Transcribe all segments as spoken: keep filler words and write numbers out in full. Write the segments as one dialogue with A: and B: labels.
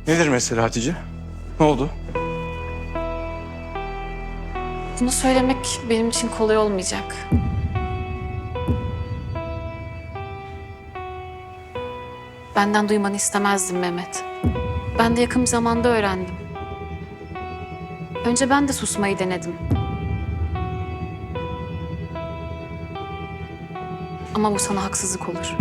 A: Nedir mesele Hatice? Ne oldu?
B: Bunu söylemek benim için kolay olmayacak. Benden duymanı istemezdim Mehmet. Ben de yakın bir zamanda öğrendim. Önce ben de susmayı denedim. Ama bu sana haksızlık olur.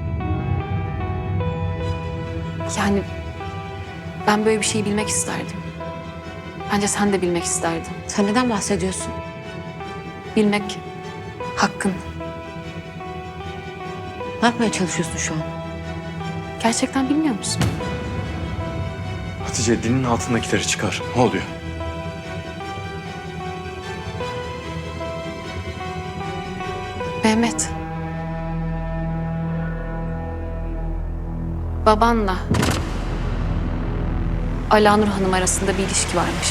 B: Yani ben böyle bir şeyi bilmek isterdim. Bence sen de bilmek isterdin.
C: Sen neden bahsediyorsun?
B: Bilmek hakkın.
C: Ne yapmaya çalışıyorsun şu an?
B: Gerçekten bilmiyor musun?
A: Hatice dilinin altındakileri çıkar. Ne oluyor?
B: Mehmet. Babanla Alanur Hanım arasında bir ilişki varmış.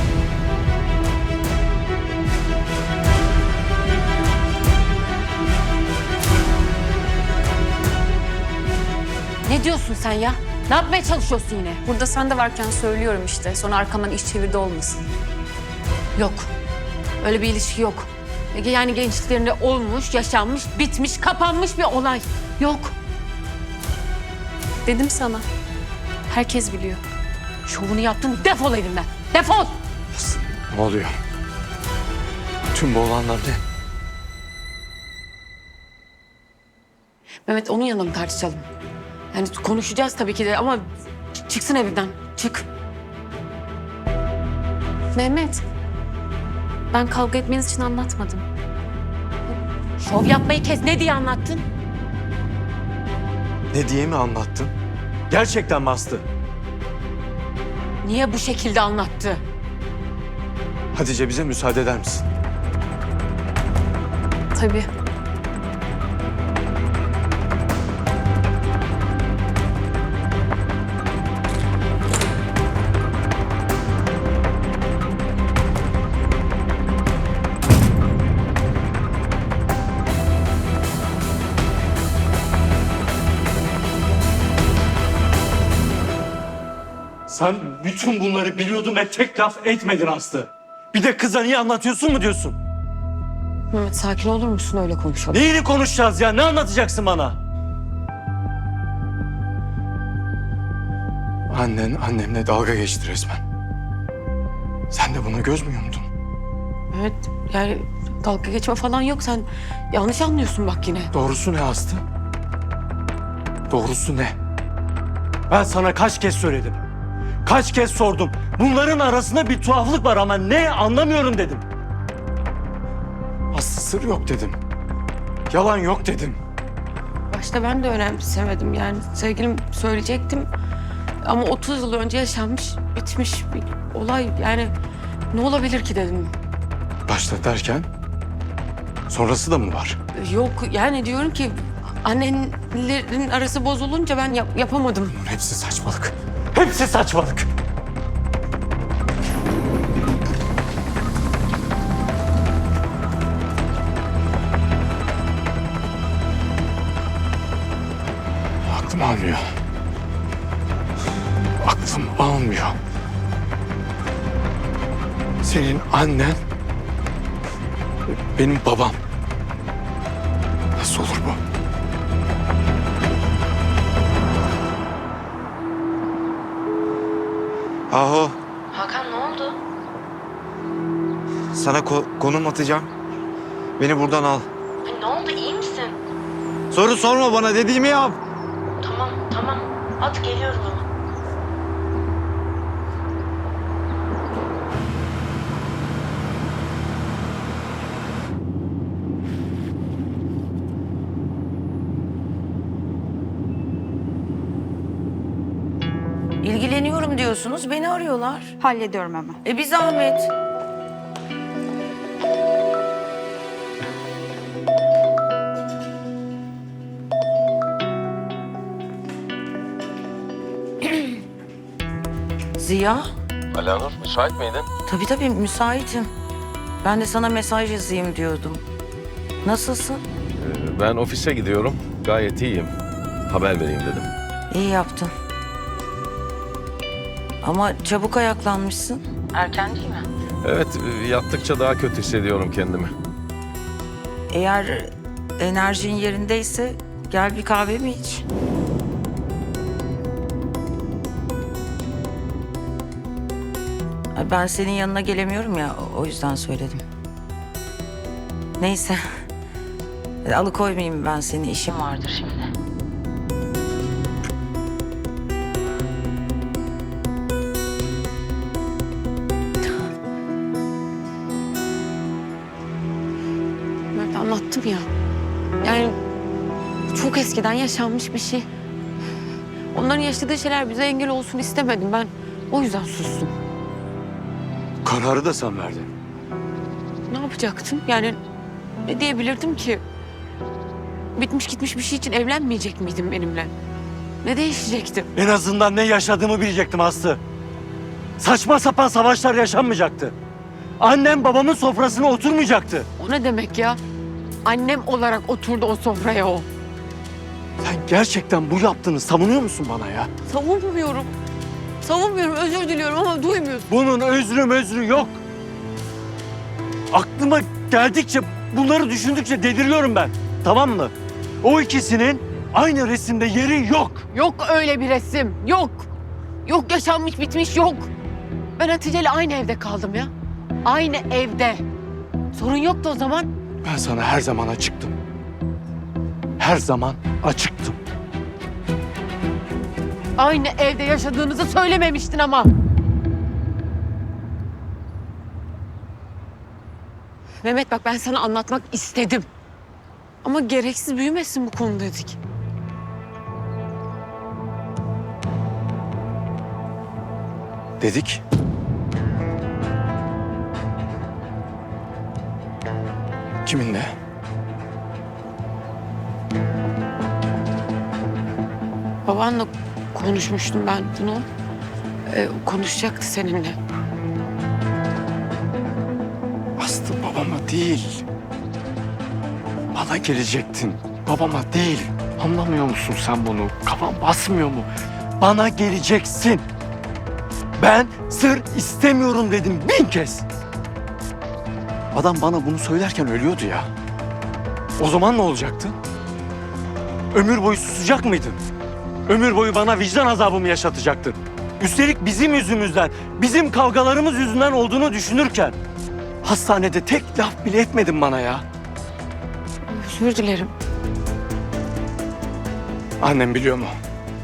C: Ne diyorsun sen ya? Ne yapmaya çalışıyorsun yine?
B: Burada sen de varken söylüyorum işte. Sonra arkamdan iş çevirdi olmasın.
C: Yok. Öyle bir ilişki yok. Yani gençliklerinde olmuş, yaşanmış, bitmiş, kapanmış bir olay. Yok.
B: Dedim sana. Herkes biliyor.
C: Şovunu yaptın, defol evimden. Defol!
A: Ne oluyor? Tüm bu olanlar ne?
C: Mehmet onun yanına mı tartışalım? Yani konuşacağız tabii ki de ama ç- çıksın evimden. Çık.
B: Mehmet. Ben kavga etmeniz için anlatmadım.
C: Şov yapmayı kes. Ne diye anlattın?
A: Ne diye mi anlattın? Gerçekten mi Aslı?
C: Niye bu şekilde anlattı?
A: Hatice bize müsaade eder misin?
B: Tabii.
D: Sen bütün bunları biliyordun ve tek laf etmedin Aslı. Bir de kıza niye anlatıyorsun mu diyorsun?
C: Mehmet sakin olur musun, öyle konuşalım?
D: Neyini konuşacağız ya? Ne anlatacaksın bana?
A: Annen annemle dalga geçti resmen. Sen de buna göz mü yumdun?
C: Evet, yani dalga geçme falan yok. Sen yanlış anlıyorsun bak yine.
A: Doğrusu ne Aslı? Doğrusu ne?
D: Ben sana kaç kez söyledim. Kaç kez sordum. Bunların arasında bir tuhaflık var ama ne anlamıyorum dedim.
A: Aslı sır yok dedim. Yalan yok dedim.
C: Başta ben de önemsemedim yani. Sevgilim söyleyecektim. Ama otuz yıl önce yaşanmış, bitmiş bir olay. Yani ne olabilir ki dedim.
A: Başta derken sonrası da mı var?
C: Yok yani diyorum ki annenlerin arası bozulunca ben yap- yapamadım.
A: Bunun hepsi saçmalık.
D: Hepsi saçmalık.
A: Aklım almıyor. Aklım almıyor. Senin annen benim babam. Nasıl olur bu?
E: Aho,
C: Hakan ne oldu?
E: sana ko- konum atacağım. Beni buradan al.
C: Ne oldu, iyi misin?
E: Soru sorma bana, dediğimi yap.
C: Tamam tamam at geliyorum ama.
F: İlgileniyorum diyorsunuz, beni arıyorlar.
G: Hallediyorum hemen.
F: E bir zahmet. Ziya?
H: Alanur, müsait miydin?
F: Tabii tabii müsaitim. Ben de sana mesaj yazayım diyordum. Nasılsın?
H: Ee, ben ofise gidiyorum. Gayet iyiyim. Haber vereyim dedim.
F: İyi yaptın. Ama çabuk ayaklanmışsın. Erken değil mi?
H: Evet, e, yattıkça daha kötü hissediyorum kendimi.
F: Eğer enerjin yerindeyse gel bir kahve mi iç? Ben senin yanına gelemiyorum ya, o yüzden söyledim. Neyse. Alıkoymayayım ben seni, işim vardır şimdi.
C: Mert, anlattım ya. Yani çok eskiden yaşanmış bir şey. Onların yaşadığı şeyler bize engel olsun istemedim ben. O yüzden sustum.
A: Kararı da sen verdin.
C: Ne yapacaktım? Yani ne diyebilirdim ki? Bitmiş gitmiş bir şey için evlenmeyecek miydim benimle? Ne değişecekti?
D: En azından ne yaşadığımı bilecektim Aslı. Saçma sapan savaşlar yaşanmayacaktı. Annem babamın sofrasına oturmayacaktı.
C: O ne demek ya? Annem olarak oturdu o sofraya o.
D: Sen gerçekten bu yaptığını savunuyor musun bana ya?
C: Savunmuyorum. Savunmuyorum, özür diliyorum ama duymuyorsun.
D: Bunun özrü mözrü yok. Aklıma geldikçe, bunları düşündükçe deliriyorum ben. Tamam mı? O ikisinin aynı resimde yeri yok.
C: Yok öyle bir resim, yok. Yok yaşanmış bitmiş, yok. Ben Hatice'yle aynı evde kaldım ya. Aynı evde. Sorun yoktu o zaman.
D: Ben sana her zaman açıktım. Her zaman açıktım.
C: Aynı evde yaşadığınızı söylememiştin ama. Mehmet bak, ben sana anlatmak istedim. Ama gereksiz büyümesin bu konu dedik.
A: Dedik. Kiminle?
C: Babanla konuşmuştum ben bunu. Ee, konuşacaktı seninle.
A: Aslı, babama değil. Bana gelecektin. Babama değil. Anlamıyor musun sen bunu? Kafan basmıyor mu?
D: Bana geleceksin. Ben sır istemiyorum dedim bin kez.
A: Adam bana bunu söylerken ölüyordu ya. O zaman ne olacaktı?
D: Ömür boyu susacak mıydın? Ömür boyu bana vicdan azabımı yaşatacaktın. Üstelik bizim yüzümüzden, bizim kavgalarımız yüzünden olduğunu düşünürken... ...hastanede tek laf bile etmedin bana ya.
C: Özür dilerim.
A: Annem biliyor mu?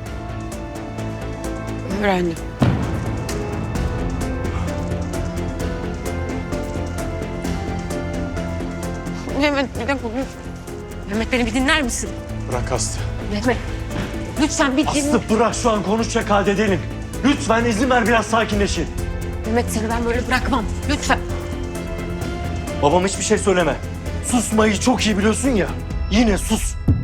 C: Öğrendim. Mehmet bir dakika. Mehmet, beni bir dinler misin?
A: Bırak Aslı.
C: Mehmet, lütfen bir dinle.
D: Aslı bırak, şu an konuşacak halde değilim. Lütfen izin ver, biraz sakinleşin.
C: Mehmet, seni ben böyle bırakmam. Lütfen.
D: Babam hiçbir şey söyleme. Susmayı çok iyi biliyorsun ya. Yine sus.